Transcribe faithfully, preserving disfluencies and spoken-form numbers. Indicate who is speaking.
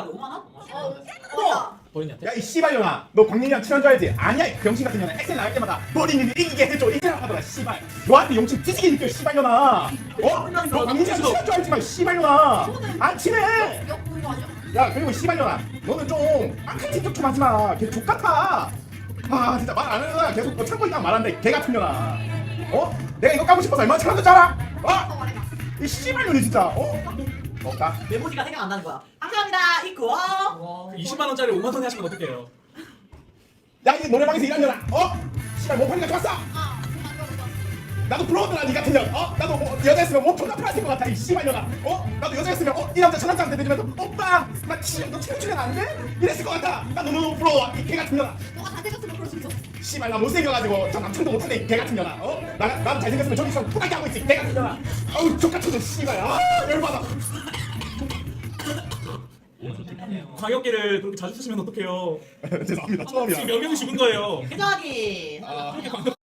Speaker 1: 오만 원?
Speaker 2: 어.
Speaker 3: 버린이한테?
Speaker 2: 야 이 씨발년아, 너 광민이랑 친한 줄 알지? 아니야 이 병신 같은 년아. 엑셀 나갈 때마다 버린이는 이기게 해줘 이기라 하더라 씨발. 너한테 용친 뒤지게 느껴 씨발년아. 어? 너 광민이랑 친한 줄 알지만 씨발년아. 안 친해. 야 그리고 씨발년아, 너는 좀 악한 짓 좀 하지마. 걔 족같아. 아 진짜 말 안 하는 거야. 계속 너 참고 있다 말한다 개 같은 년아. 어? 내가 이거 까고 싶어서 얼마나 참았는지 알아? 어? 이 씨발년이 진짜. 어? 없다.
Speaker 1: 메모지가 생각 안 나는 거야. 감사합니다. 이쿠어.
Speaker 3: 이십만 원짜리 오만 원에 하시면 어떡해요?
Speaker 2: 야 이 노래방에서 일하는 년아. 어? 씨발 못 파니까 좋았어. 나도 부러웠더라 니 같은 년. 어? 나도 뭐 여자였으면 몸 존나 풀었을 것 같아 이 씨발년아. 어? 나도 여자였으면 어? 이 남자 저 남자한테 대주면서 오빠 나 치, 너 체력 출연 안 돼? 이랬을 것 같아. 나 너무 부러워 이 개 같은 년아.
Speaker 4: 너가 잘생겼으면 그럴 수 있어.
Speaker 2: 씨발 나 못생겨가지고 저 남친도 못하네 이 개 같은 년아. 어? 나, 나도 잘생겼으면 저기서 토닥게 하고 있지 이 개 같은 년아. 아우 족같은 년 씨발. 아 열받아.
Speaker 3: 광역기를 그렇게 자주 쓰시면 어떡해요?
Speaker 2: 죄송합니다 처음이야.
Speaker 3: 지금 몇 명이 죽은 거예요.
Speaker 1: 회장하기.
Speaker 2: 아.
Speaker 3: 그렇게 광역